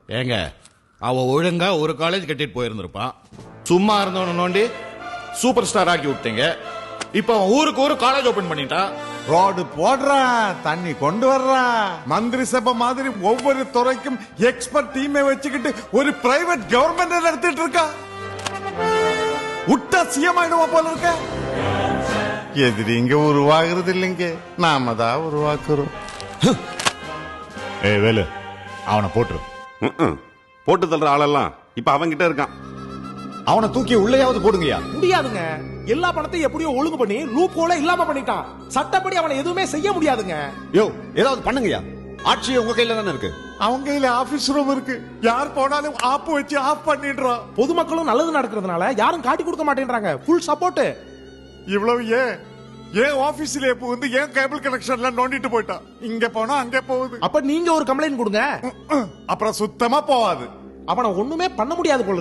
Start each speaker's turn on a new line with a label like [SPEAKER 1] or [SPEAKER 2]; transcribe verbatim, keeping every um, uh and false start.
[SPEAKER 1] ஏங்க அவ ஒழுங்கா ஒரு காலேஜ் கட்டிட்டு போயிருந்திருப்பான். சும்மா இருந்தவன நோண்டி சூப்பர் ஸ்டார் ஆக்கி விட்டீங்க. இப்ப அவன் ஊருக்கு ஒரு காலேஜ் ஓபன் பண்ணிட்டான்.
[SPEAKER 2] ரோடு போடுறான், தண்ணி கொண்டு வர்றான், மந்திரி சபை மாதிரி ஒவ்வொரு துறைக்கும் எக்ஸ்பர்ட் டீமை வச்சுக்கிட்டு ஒரு பிரைவேட் கவர்மெண்ட் நடத்திட்டு இருக்கா. விட்டா சிஎம் ஆயிடுவா போல இருக்க. எதிரிங்க உருவாகிறது இல்லைங்க, நாம தான் உருவாக்குறோம்.
[SPEAKER 3] ஏய் வேலு, அவனை போட்டுரு.
[SPEAKER 4] ம்ம். போட்டு தள்ளுற ஆளெல்லாம் இப்ப அவன்கிட்ட இருக்கான்.
[SPEAKER 5] அவனை தூக்கி உள்ளேயாவது போடுங்கயா.
[SPEAKER 6] முடியாதுங்க. எல்லா பணத்தையும் எப்படியோ ஒழுங்கு பண்ணி லூப் ஹோல இல்லாம பண்ணிட்டான். சட்டப்படி அவனை எதுவுமே செய்ய முடியாதுங்க.
[SPEAKER 5] யோ ஏதாவது பண்ணுங்கயா. ஆட்சி உங்க கையில தானே இருக்கு.
[SPEAKER 2] அவங்க கையில ஆபீஸ் ரூம் இருக்கு. யார் போனாலும் ஆப் வச்சு ஆஃப் பண்ணிடுறான்.
[SPEAKER 6] பொதுமக்களும் நல்லது நடக்கிறதுனால யாரும் காட்டி கொடுக்க மாட்டேன்றாங்க. Full support.
[SPEAKER 2] இவ்வளவு ஏன் ஏன் ஆபீஸ்ல எப்போ வந்து ஏன் கேபிள் கனெக்ஷன்ல நோண்டிட்டு போயிட்டான். இங்க போனா அங்க போகுது.
[SPEAKER 6] அப்ப நீங்க ஒரு கம்ப்ளைண்ட் கொடுங்க.
[SPEAKER 2] அப்புறம் சுத்தமா போவாது.
[SPEAKER 6] அவனை ஒண்ணுமே பண்ண முடியாது போல.